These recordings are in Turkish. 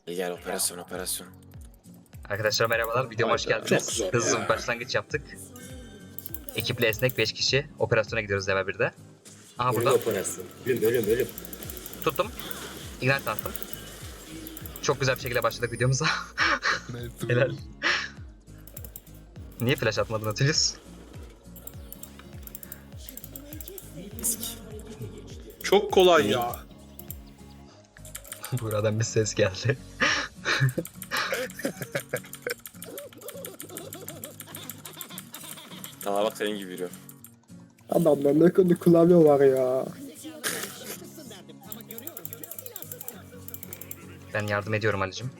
Gel operasyon operasyon. Arkadaşlar merhabalar, videoma hoş geldiniz. Çok zor Hızlı ya. bir başlangıç yaptık. Ekiple esnek 5 kişi operasyona gidiyoruz level 1'de. Aha Ölüm burada. operasyon. Ölüm. Tuttum. Ignite attım. Çok güzel bir şekilde başladık videomuza. Helal. Niye flash atmadın Atilius? Çok kolay ya. Buradan bir ses geldi. Tamam bak senin gibi yürüyor. Adamda ne kadar klavye var ya. Ben yardım ediyorum Ali'cim.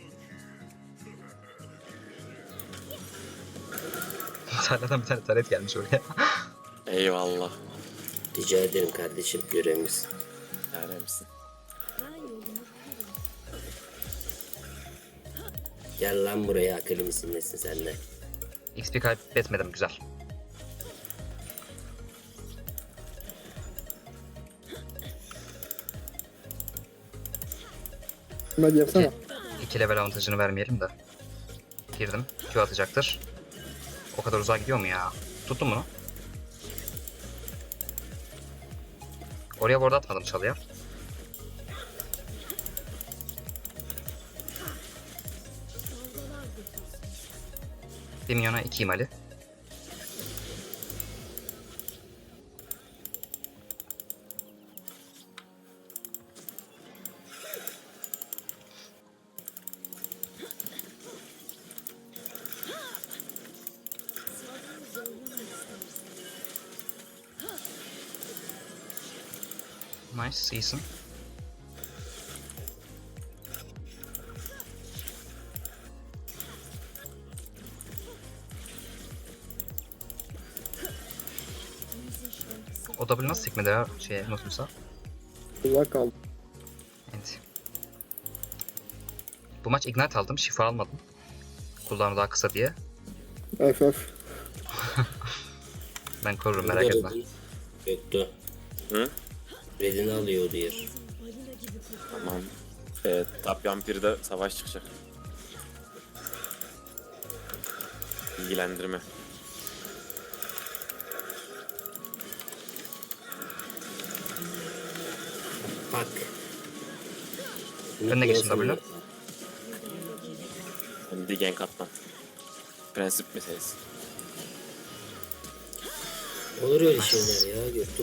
Tarladan bir tane taret gelmiş oraya. Eyvallah. Rica ederim kardeşim, görevimiz. Yani misin? Gel lan buraya, akıllı mısın nesin sen de? XP kaybetmedim, güzel. Buna girsene. 2 level avantajını vermeyelim de. Girdim. Q atacaktır. O kadar uzağa gidiyor mu ya? Tuttum bunu. Oraya board atmadım çalıya. Bir milyona 2 imali. Nice, iyisin. O W nasıl sekmedi ya şeye, Nautilus'a? Uzak kaldı. Evet. Bu maç Ignite aldım, şifa almadım. Cooldown'u daha kısa diye. FF. Ben korurum, merak etme. Yoktu. Hı? Redini alıyor diyor. Tamam. Tap Yampir'de savaş çıkacak. Bilgilendirme. Bak. Önüne geçin W. Hem de gank atma. Prensip meselesi. Olur öyle şeyler ya, gördük.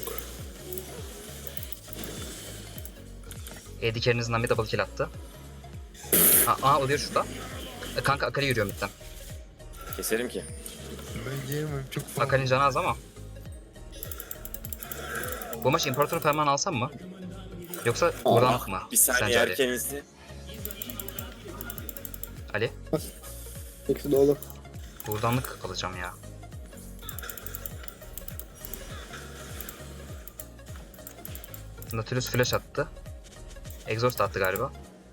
AD carry'nizden bir double kill attı. Aa o diyor şurada. Kanka Akali yürüyor midden. Keserim ki. Ben yiyemem, çok fazla. Akali'nin canı az ama. Bu maç İmparator'u ferman alsam mı? Yoksa buradan mı? Bir saniye Sence Ali? erken izle. Ali? İkisi de olur. Buradanlık alacağım ya. Nautilus flash attı. Exhaust attı galiba.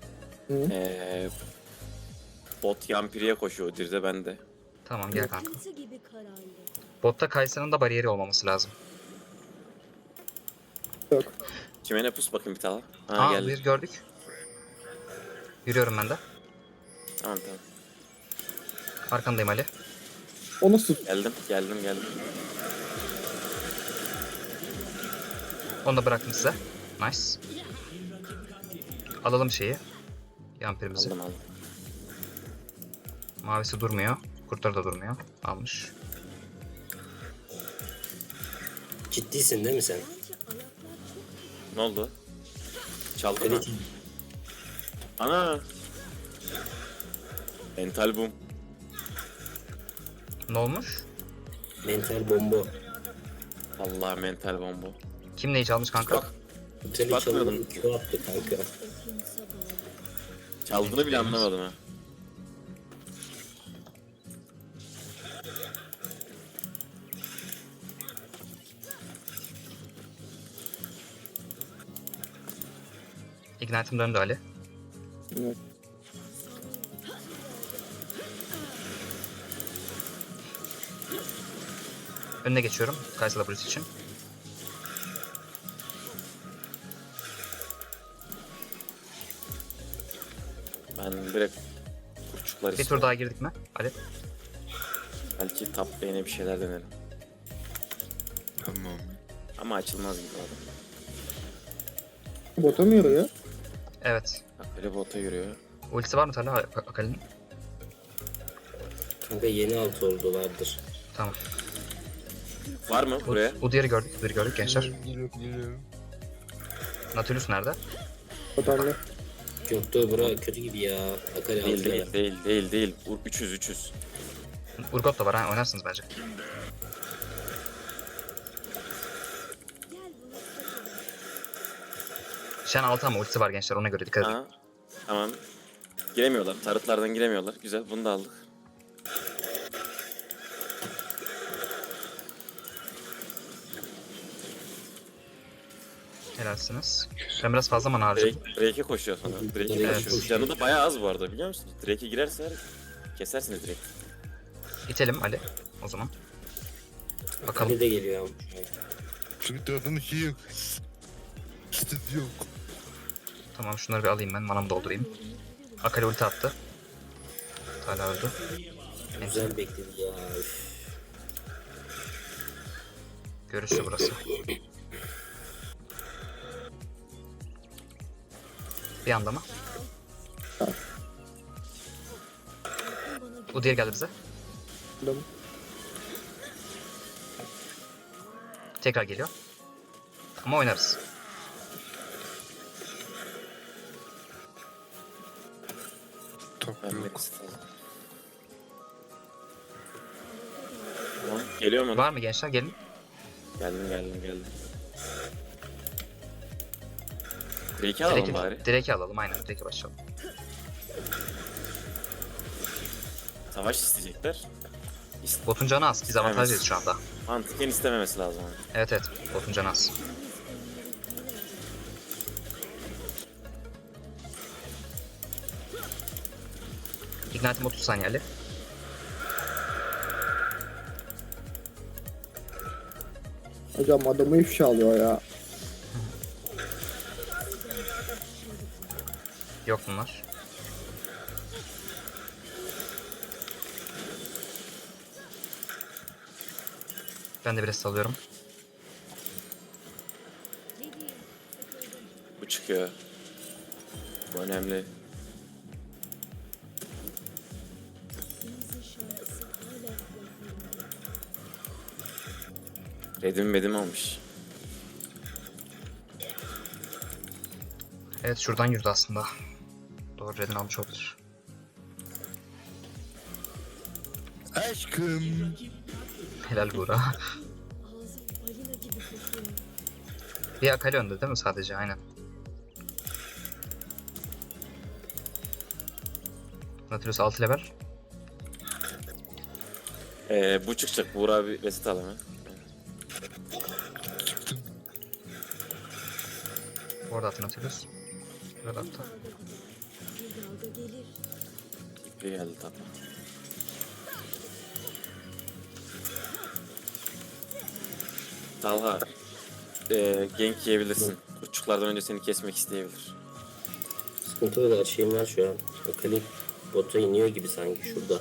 Bot Yampir'e koşuyor Dirde ben de. Tamam gel kanka. Botta Kaysa'nın da bariyeri olmaması lazım. Yok. Kime ne pus bakayım bir tane. Ha Aa geldi. bir gördük. Yürüyorum ben de. Tamam tamam. Arkandayım Ali. O nasıl? Geldim. Onu da bıraktım size. Nice. Alalım şeyi. Yampirimizi. Aldım. Mavisi durmuyor. Kurtları da durmuyor. Almış. Ciddisin değil mi sen? Ne oldu? Çaldı mı? Evet. Ana! Mental boom. Ne olmuş? Mental bomba. Allah mental bomba. Kim neyi çalmış kanka? Bak Seni Bakmıyordum. çalmanın Q attı kanka. çaldığını bile anlamadım ha. Ignite'ım döndü Ali. Evet. Önüne geçiyorum. Kaysa W'si için. Ben direkt kurçuklar Bir tur istiyorum. daha girdik mi? Ali. Belki top lane'e bir şeyler denerim. Tamam. Ama açılmaz gibi adam. Bota mı yürüyor? Evet. Bak böyle bota yürüyor. Ultisi var mı Talha Akali'nin? Kanka yeni altı oldulardır. Tamam. Var mı buraya? Udyr'i gördük. Udyr'i gördük gençler. Geliyorum. Nautilus nerede? Botanlı. Göktuğ bura kötü gibi ya. Akali Değil altı değil değil değil değil. 300. Urgot da var ha, oynarsınız bence. Shen 6 ama ultisi var gençler, ona göre dikkat edin. Aha. Tamam. Giremiyorlar. Tarıtlardan giremiyorlar. Güzel. Bunu da aldık. Helalsiniz. Ben biraz fazla mana harcadım. Drake'e koşuyor sonra. Drake'e Evet. koşuyor. Canı da bayağı az bu arada biliyor musunuz? Drake'e girerse kesersiniz direkt. İtelim Ali o zaman. Bakalım. Akali de geliyor ama. Çünkü dördünün şey yok. İşte yok. Tamam, şunları bir alayım ben, manamı doldurayım. Akali ulti attı. Hala öldü. Güzel bekledi ya. Üf. Görüşü burası. Bir anda mı? Udyr geldi bize. Adam. Tekrar geliyor. Ama oynarız. Top Ben yok. Melis'i aldım. Tamam. Geliyor mu? Var mı gençler? Gelin. Geldim. Drake'i alalım bari. Drake'i alalım, aynen. Drake'e başlayalım. Savaş isteyecekler. Botun canı az. Biz avantajlıyız şu anda. Mantıken istememesi lazım. Evet. Botun canı az. Ignite'im 30 saniye Ali. Hocam adamı ifşa alıyor ya. Yok bunlar. Ben de biraz salıyorum. Bu çıkıyor. Bu önemli. Redim almış. Evet, şuradan yürüdü aslında. Doğru, redini almış olabilir. Aşkım. Helal Buğra. Bir Akali önde değil mi sadece? Aynen. Nautilus 6 level. Bu çıkacak. Buğra abi reset al hemen. Çıktım. Orada attı Nautilus. Burada attı. İpi geldi tabi. Talha. Gank yiyebilirsin. Kurçuklardan önce seni kesmek isteyebilir. Sıkıntı yok, her şeyim var şu an. Akali bota iniyor gibi sanki şurada.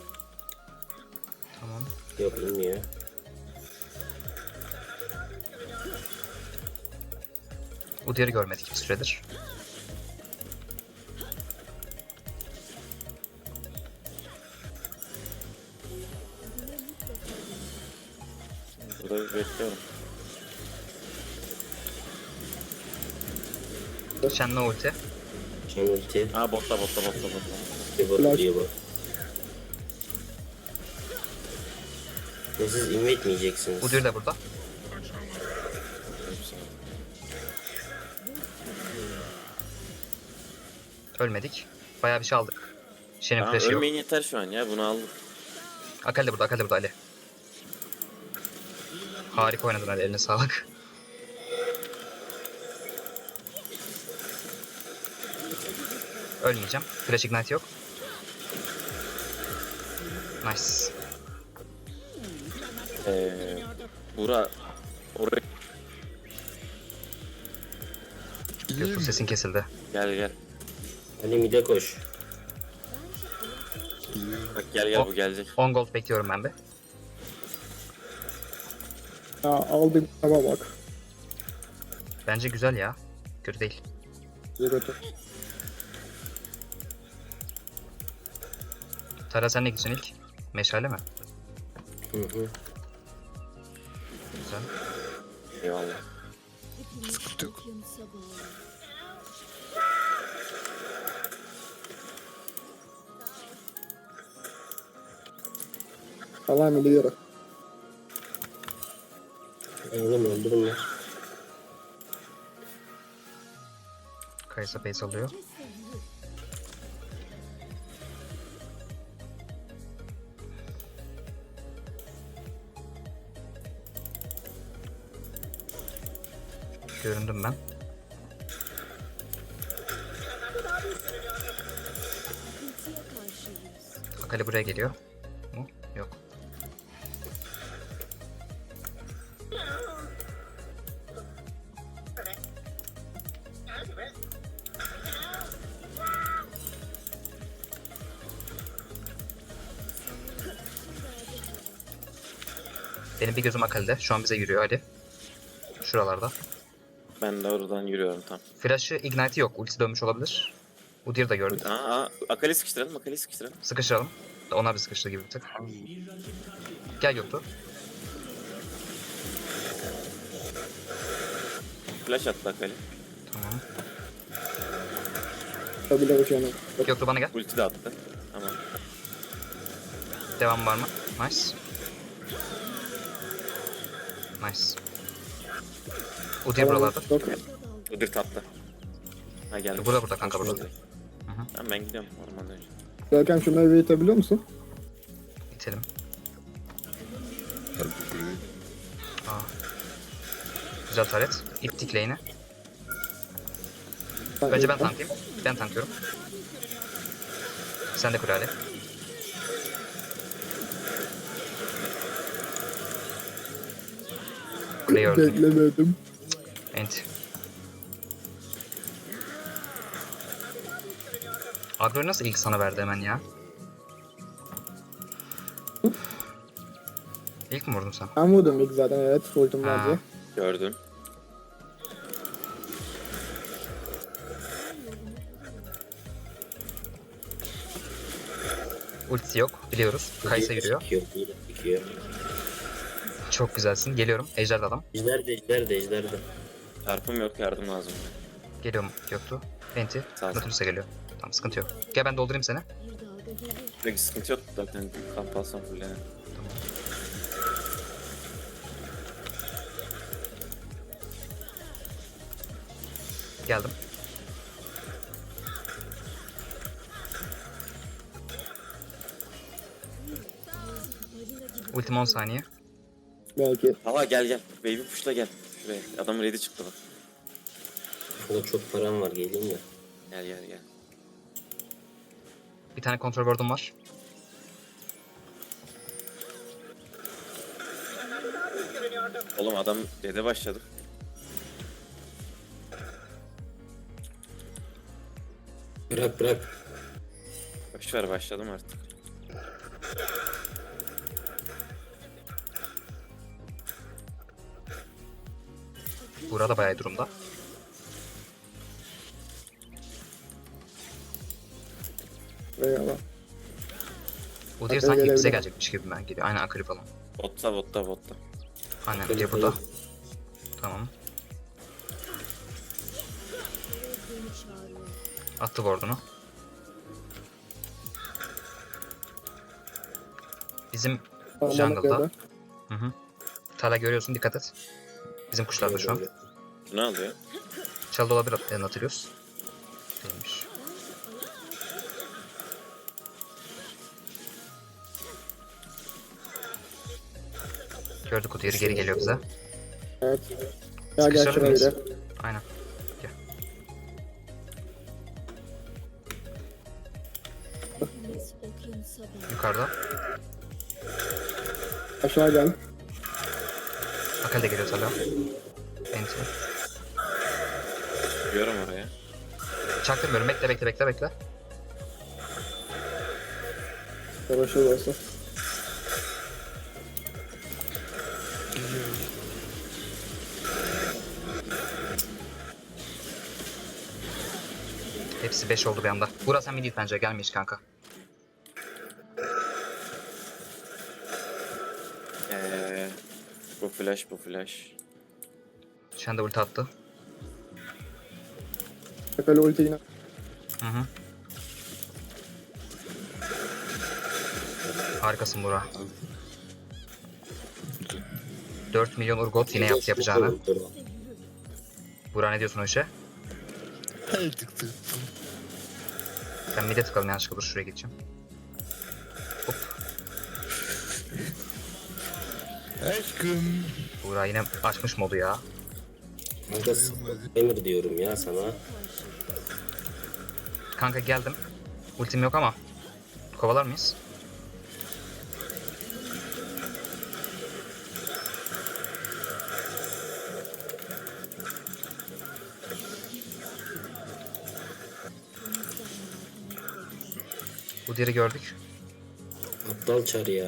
Tamam. Yok, inmiyor. Udyr'i görmedik bir süredir. Burada bekliyorum. Shen'le ulti. Shen ulti. Botta. Bir bot Flash. diye bot. Ve siz invade mi yiyeceksiniz? Udyr de burada. Ölmedik. Bayağı bir şey aldık. Shen'in Tamam, flash'ı yok. ölmeyin yeter şu an ya. Bunu aldık. Akali de burada Ali. Harika oynadın Ali, eline sağlık. Ölmeyeceğim. Flash Ignite yok. Nice. Buğra oraya Göktuğ sesin kesildi. gel. Ali mide koş. Bak gel bu gelecek. 10 gold bekliyorum ben de. Ya aldım ama bak. Bence güzel ya. Kötü değil. Kötü. Tara sen ne gidiyorsun ilk? Meşale mi? Hı hı. Güzel. Eyvallah. Sıkıntı yok. Allah'ım biliyorum. Oğlum öldürün lan. Kaysa base alıyor. Göründüm ben. Akali buraya geliyor. Mu? Yok. Benim bir gözüm Akali'de. Şu an bize yürüyor Ali. Şuralarda. Ben de oradan yürüyorum tam. Flash'ı Ignite'i yok. Ultisi dönmüş olabilir. Udyr'ı da gördük. Akali sıkıştıralım, Akali sıkıştıralım. Sıkıştıralım. Onlar bir sıkıştı gibi bir tık. Gel Göktuğ. Flash attı Akali. Tamam. Tabii de canım. Göktuğ bana gel. Ulti de attı. Tamam. Devam var mı? Nice. Nice. Udyr buralarda. Yok. Udyr tapta. Ha geldi. Burada kanka burada. Tamam ben gidiyorum ormandan önce. Görkem şunları bir itebiliyor musun? İtelim. Hadi buraya. Aa. Güzel taret. İttik lane'i. Önce ben tanklayayım. Ben tanklıyorum. Sen de kur Ali. Kuleyi öldüm. Beklemedim. Ent. Agro'yu nasıl ilk sana verdi hemen ya? İlk mi vurdun sen? Ben vurdum ilk zaten, evet. Ultim var Ha. diye. Gördüm. Ultisi yok biliyoruz. Kaysa yürüyor. Çıkıyor. Çok güzelsin. Geliyorum. Ejder'de adam. Ejder de. Çarpım yok, yardım lazım. Geliyorum Göktuğ. Enti. Sağ ol. Natürlüs'e geliyor. Tamam sıkıntı yok. Gel ben doldurayım seni. Peki sıkıntı yok zaten. Kamp alsam fullene. Geldim. Ultim 10 saniye. Belki. Hala gel. Baby push'la gel. Şuraya. Adamın ready çıktı bak. Burada çok param var, geleyim ya. Gel. Bir tane kontrol board'um var. Oğlum adam dede başladı. Bırak. Boşver başladım artık. Buğra da bayağı iyi durumda. Eyvallah. Udyr Akali sanki bize gelebilir. gelecekmiş gibi ben geliyor. Aynen Akali falan. Botta. Aynen Udyr burada. Tamam. Attı ward'unu. Bizim Tamam, jungle'da. bana Hı. Tala görüyorsun, dikkat et. Bizim kuşlarda şu an. Bu ne alıyor? Çaldı olabilir Nautilus. Değilmiş. Gördük Udyr'ı, geri geliyor bize. Evet. Gel Sıkıştırır şuraya bir mıyız? de. Aynen. Gel. Yukarıda. Aşağı gel. Akali de geliyor Tala. Enti. Gidiyorum oraya. Çaktırmıyorum. Bekle. Yavaş olursa. Geliyorum. Hepsi 5 oldu bir anda. Burak sen mid bence gelme hiç kanka. Bu flash, bu flash. Shen de ulti attı. Akali ulti yine. Hı hı. Harikasın Burak. 4 milyon Urgot yine yaptı yapacağını. Burak ne diyorsun o işe? Her tıktı. Ben mid'e tıkalım yanlışlıkla, dur şuraya geçeceğim. Hop. Aşkım. Burak yine açmış modu ya. Kanka Emir diyorum ya sana. Kanka geldim. Ultim yok ama. Kovalar mıyız? Bu diğeri gördük. Aptal çar ya.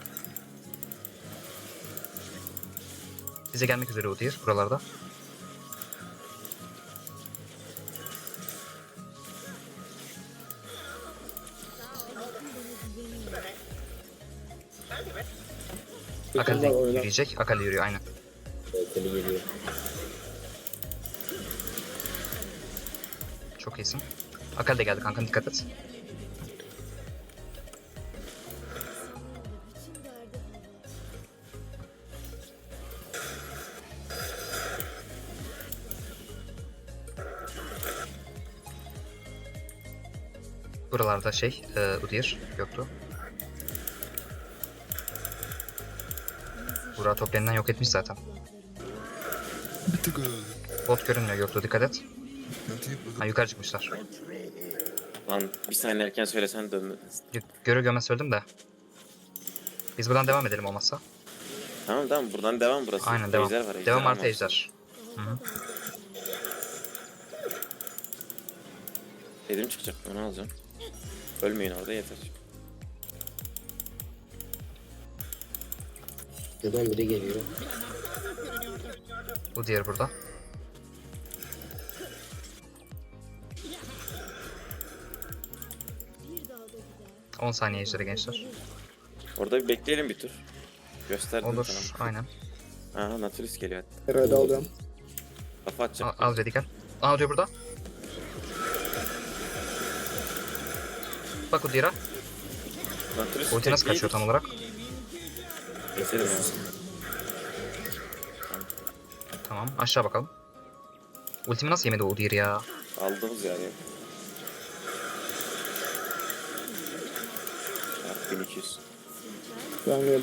Bize gelmek üzere Udyr buralarda. Akali de Oynar. yürüyecek. Akali yürüyor aynen. Akali geliyor. Çok iyisin. Akali de geldi kanka, dikkat et. Buralarda Udyr yoktu. Burak top lane'den yok etmiş zaten. Bir tık öyle. Bot görünmüyor, yoktu, dikkat et. Hadi Ha, bakalım. yukarı çıkmışlar. Lan bir saniye erken söylesen döndü. Görür görmez söyledim de. Biz buradan devam edelim olmazsa. Tamam tamam, buradan devam burası. Aynen devam. Ejder var, ejder Devam var. artı ejder. Hı hı. Dedim çıkacak, onu alacağım. Ölmeyin orada yeter. Buradan biri geliyor. Bu diğeri burada. Bir 10 saniye ejderi gençler. Orada bir bekleyelim bir tur. Gösterdim Olur, sana. aynen. Aha, Nautilus geliyor hatta. Herhalde alıyorum. Kafa atacak. Al ready gel. Aa diyor burada. Bak Udyr'a. Nautilus Ulti nasıl tekliği- kaçıyor tam olarak? Keselim ya. Tamam, aşağı bakalım. Ultimi nasıl yemedi o Udyr ya? Aldığımız yani. Çarpı 1200. Ben geldim.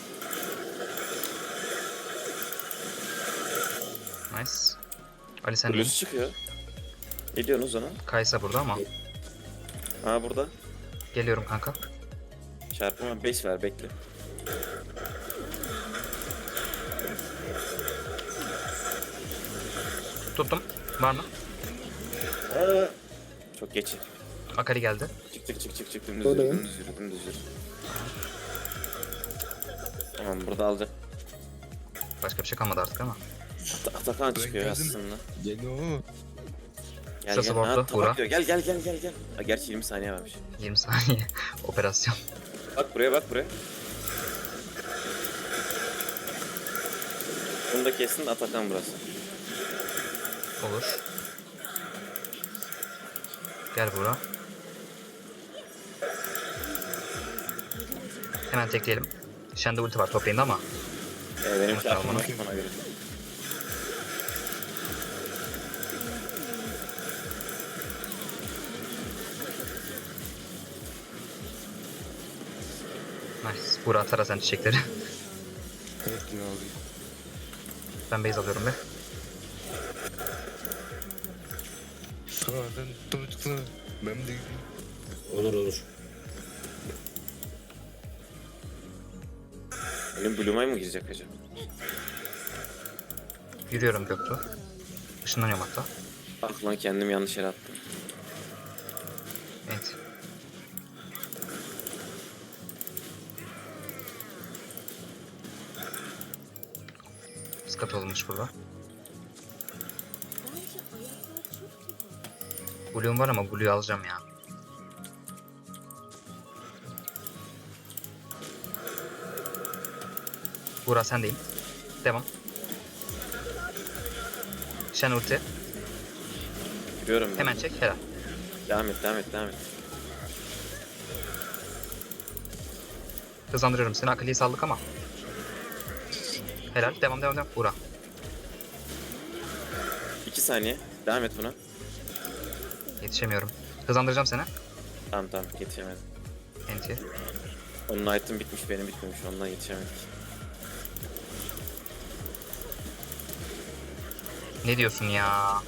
Nice. Ali sen de. Blue çıkıyor. Ne diyorsunuz ona? Kaysa burada ama. Aa burada. Geliyorum kanka. Çarpıma 5 ver, bekle. Tuttum. Var mı? Aa, çok geç. Akali geldi. Çık. Dümdüz yürü, Buradayım. dümdüz yürü. Tamam, burada alacak. Başka bir şey kalmadı artık ama. Atakan çıkıyor geldim. aslında. Geliyor. Gel Şurası gel. bordo, Ha, Buğra. tabak diyor. Gel. Ha, gerçi 20 saniye varmış. 20 saniye. Operasyon. Bak buraya. Bunu da kesin, Atakan burası. Olur. Gel Buğra. Hemen tekleyelim. Shen'de ulti var top lane'de ama. Benim Bak, çarpıma tamam. ona göre. Nice. Buğra atar sen çiçekleri. Evet ya abi. Ben base alıyorum be. Sağdan doğru çıksana. Ben de gideyim. Olur. Benim Blue mı girecek acaba? Yürüyorum Göktuğ. Işınlanıyorum hatta. Ah lan, kendim yanlış yere attım. Evet. Skat olmuş burada. Blue'um var ama Blue'yu alacağım ya. Buğra sendeyim. Devam. Shen ulti. Giriyorum ben. Hemen çek. Helal. Devam et, devam et, devam et. Hızlandırıyorum seni. Akali'yi saldık ama. Helal. Devam devam devam. Buğra. 2 saniye. Devam et buna. Yetişemiyorum. Hızlandıracağım seni. Tamam tamam yetişemedim. Enti. Onun item bitmiş, benim bitmemiş. Ondan yetişemedik. Ne diyorsun ya?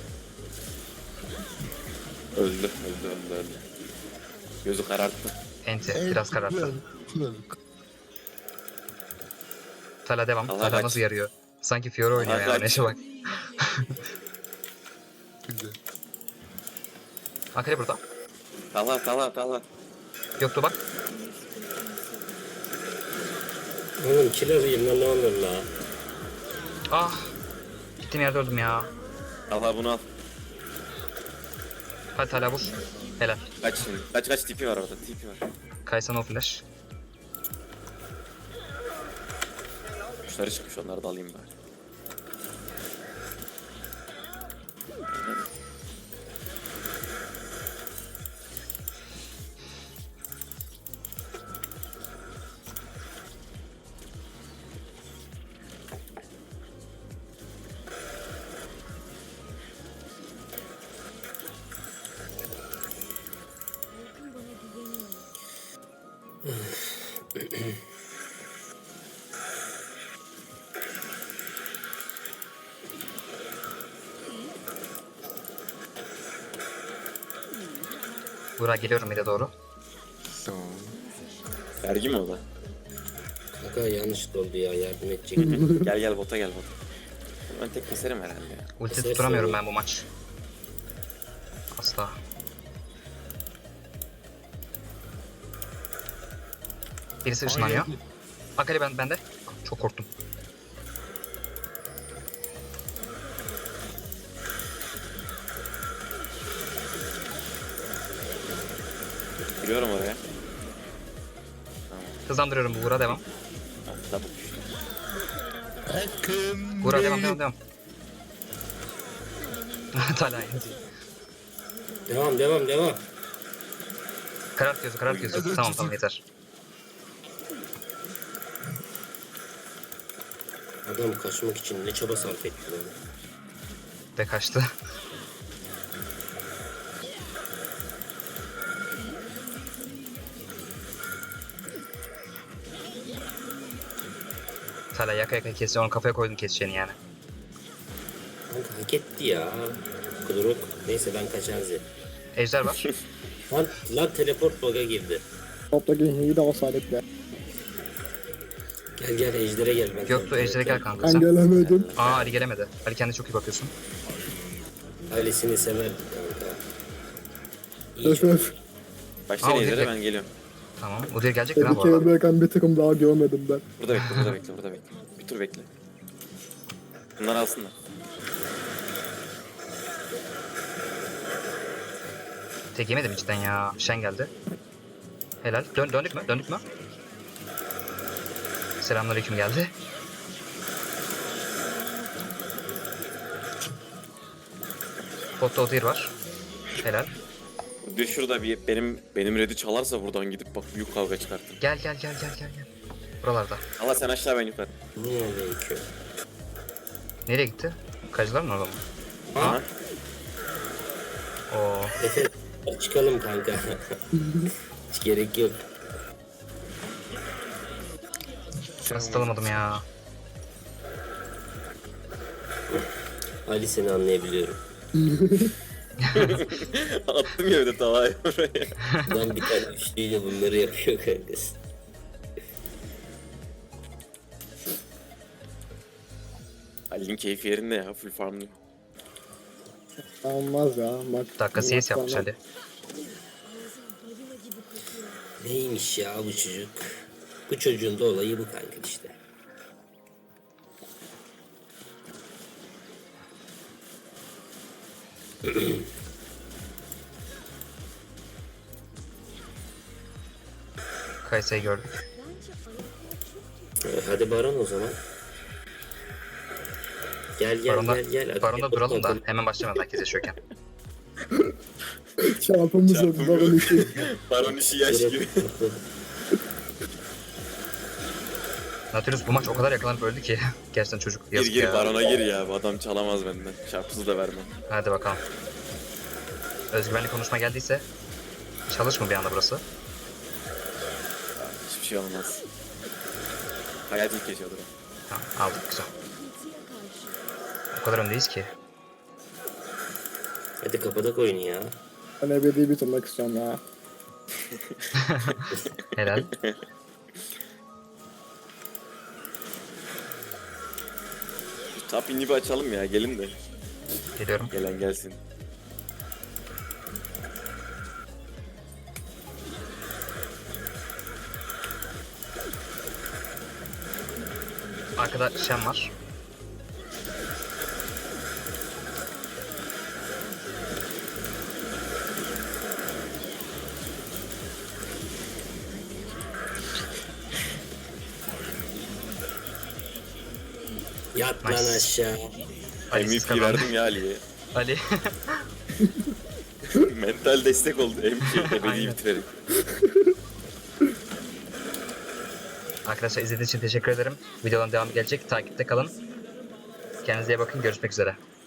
Öldü, öldü, öldü, öldü. Gözü kararttı. Enti. Biraz kararttı. Güzel. Tala devam. Allah Tala kaç. nasıl yarıyor? Sanki Fiora oynuyor Allah ya. kaç. Neşe bak. Güzel. Akali burada. Tala, tala, tala. Yoktu bak. Oğlum kill alayım lan ne olur la. Ah. Gittiğim yerde öldüm ya. Tala bunu al. Hadi Tala vur. Helal. Kaç şimdi. Kaç kaç tipi var orada, tipi var. Kaysan o flash. Kuşları çıkmış, onları da alayım bari. Buğra geliyorum bir de doğru. Tamam. Vergi mi o da? Kanka yanlış oldu ya yardım edecek. Gel gel bota gel bota. Ben tek keserim herhalde ya. Ulti Kesersin tutturamıyorum oğlum. ben bu maç. Asla. Birisi ışınlanıyor. Akali bende. Çok korktum. Giriyorum oraya. Hızlandırıyorum Buğra devam. Double düştü. Akın. Buğra devam. Tala enti. Devam. Karart gözü. Tamam yeter. Adam kaçmak için ne çaba sarf etti lan. Ve kaçtı. Tala yaka kesiyor. Onu kafaya koydum keseceğini yani. Kanka hak etti ya. Kuduruk. Neyse ben kaçarız. Ejder var. Lan teleport bug'a girdi. Toptaki Henry'i de alsaydık be. Gel ejdere gel. Ben Göktuğ Ejder'e gel kanka Ben sen. gelemedim. Aa Ali gelemedi. Ali kendine çok iyi bakıyorsun. Ailesini sever kanka. İyi Öf çok. öf. Başlayın Aa, o ejder'e direkt. ben geliyorum. Tamam. Udyr gelecektir ha bu Tehlikeli arada. bırakan bir takım daha görmedim ben. Burada bekle, burada bekle, burada bekle. Bir tur bekle. Bunları alsınlar. Tek yemedim içten ya. Shen geldi. Helal. Döndük mü? Selamünaleyküm geldi. Botta Udyr var. Helal. Bir şurada bir benim red'i çalarsa buradan gidip bak büyük kavga çıkartır. Gel. Buralarda. Allah sen aşağı ben yukarı. Niye aleyküm? Nereye gitti? Kayıcılar mı orada mı? Aha. Oo. Efe çıkalım kanka. Hiç gerek yok. Nasıl alamadım ya? Ali seni anlayabiliyorum. Attım ya bir de tavayı oraya. Lan bir tane üçlüyle bunları yapıyor kankası. Ali'nin keyfi yerinde ya, full farmlıyor. Olmaz ya. Bak. Dakika CS yapmış Ali. Neymiş ya bu çocuk? Bu çocuğun da olayı bu kanka işte. Kaysa'yı gördük. Hadi Baron o zaman. Gel Baron'da, gel. Baron'da duralım da hemen başlamadan herkes yaşıyorken. Çarpımız yok. Çarpım Baron yok. işi. Baron işi yaş gibi. Nautilus bu maç o kadar yakalanıp öldü ki. Gerçekten çocuk Gir yazık gir ya. Baron'a gir ya. Bu adam çalamaz benden. Çarpsız da vermem. Hadi bakalım. Özgüvenli konuşma geldiyse çalış mı bir anda burası? Hiçbir şey olmaz. Hayat ilk geçiyordur. Tamam aldık güzel. O kadar öndeyiz ki. Hadi kapatak oyunu ya. Ben ebedi bitirmek istiyorum ya. Helal. Top inhibi açalım ya. Gelin de. Geliyorum. Gelen gelsin. Arkada Shen var. Yat lan Nice. aşağı. Ali siz MVP kazandı. verdim ya Ali'ye. Ali. Mental destek oldu. Ebedi Aynen. bitirelim. Arkadaşlar izlediğiniz için teşekkür ederim. Videoların devamı gelecek. Takipte kalın. Kendinize iyi bakın. Görüşmek üzere.